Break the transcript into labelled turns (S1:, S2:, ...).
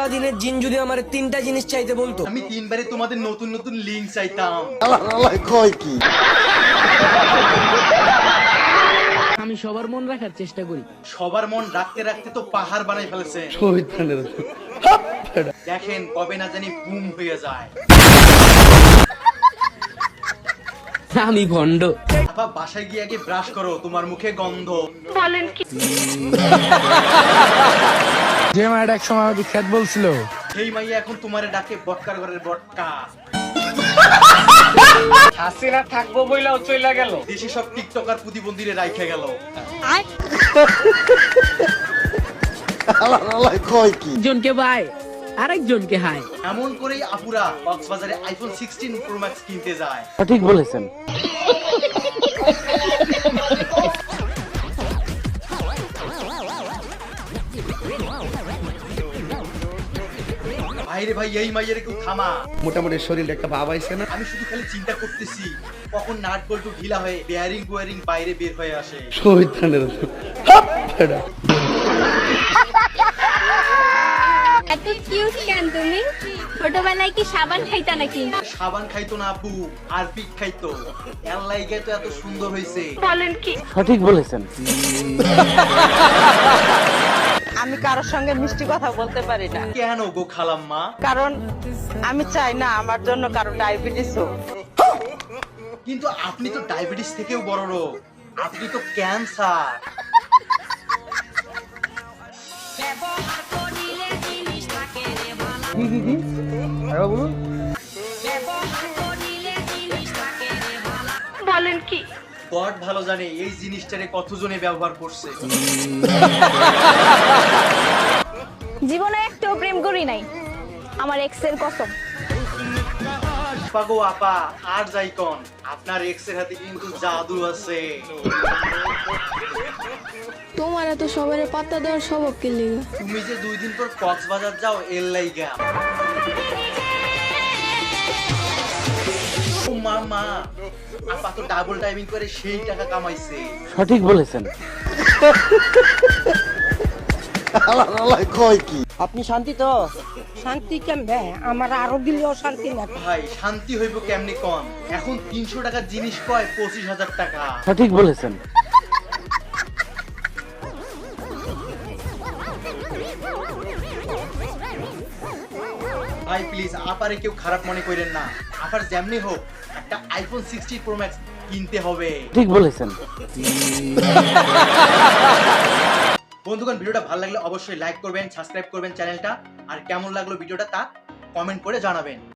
S1: সারাদিনের জিন যদি আমার 3টা জিনিস চাইতে বলতো,
S2: আমি 3বারে তোমাদের নতুন নতুন লিংক চাইতাম।
S3: কয় কি
S4: আমি সবার মন রাখার চেষ্টা করি।
S2: সবার মন রাখতে রাখতে তো পাহাড় বানাই ফেলেছে। দেখেন কবে না জানি বুম হয়ে যায়।
S4: আমি ভণ্ড।
S2: আপা বাসায় গিয়ে আগে ব্রাশ করো, তোমার মুখে গন্ধ।
S5: যে মায়ের এক সময় আমাকে খ্যাত বলছিল,
S2: সেই মাইয়া এখন তোমারে ডাকে বটকার ঘরের বটকা।
S6: হাসিনা থাকবো বইলাও চইলা গেল।
S2: দেশে সব টিকটকার প্রতিবন্ধীরে রাইখে গেল।
S3: কয় কি
S4: একজনকে বাই আরেকজনকে হাই।
S2: এমন করেই আপুরা কক্সবাজারে আইফোন 16 প্রো ম্যাক্স কিনতে যায়।
S4: সঠিক বলেছেন।
S2: ভাইরে ভাই এই মাইয়ের কেউ থামা।
S3: মোটামুটি শরীরে একটা ভাব আইছে না?
S2: আমি শুধু খালি চিন্তা করতেছি কখন নাট বল্টু ঢিলা হয়ে বেয়ারিং গোয়ারিং বাইরে বের হয়ে আসে।
S7: এত কিউট কেন তুমি? ছোটবেলায় কি সাবান খাইতা নাকি?
S2: সাবান খাইতো না আপু, আরপিক খাইতো। এর লাইগে তো এত সুন্দর হইছে।
S7: বলেন কি?
S4: সঠিক বলেছেন।
S8: আমি কারোর সঙ্গে মিষ্টি কথা বলতে পারি না,
S2: কেন গো খালাম্মা?
S8: কারণ আমি চাই না আমার জন্য কারো ডায়াবেটিস হোক।
S2: কিন্তু আপনি তো ডায়াবেটিস থেকেও বড় রোগ, আপনি তো ক্যান্সার।
S7: বলেন কি?
S2: গড ভালো জানে এই জিনিসটারে কতজনে ব্যবহার করছে।
S7: জীবনে একটাও প্রেম করি নাই, আমার এক্সের কসম।
S2: পাগো আপা আর যাই কন, আপনার এক্স এর হাতে কিন্তু জাদু আছে।
S9: তোমার এত সবার পাত্তা দেওয়ার স্বভাব কে লেগে?
S2: তুমি যে 2 দিন পর কক্সবাজার যাও এর লাইগা। ও মামা, আপা তো ডাবল টাইমিং করে সেই টাকা কামাইছে।
S4: সঠিক বলেছেন।
S3: কয় কি
S8: আপনি শান্তি তো? শান্তি কেমনে? আমার আরো দিলেও শান্তি না।
S2: ভাই শান্তি হইব কেমনি কন? এখন 300 টাকার জিনিস কয় 25,000 টাকা।
S4: সঠিক বলেছেন।
S2: ভাই প্লিজ আপারে কেউ খারাপ মনে করেন না, আপার যেমনি হোক একটা আইফোন 60 প্রো ম্যাক্স কিনতে হবে।
S4: ঠিক বলেছেন।
S2: বন্ধুগণ ভিডিওটা ভালো লাগলে অবশ্যই লাইক করবেন, সাবস্ক্রাইব করবেন চ্যানেলটা, আর কেমন লাগলো ভিডিওটা তা কমেন্ট করে জানাবেন।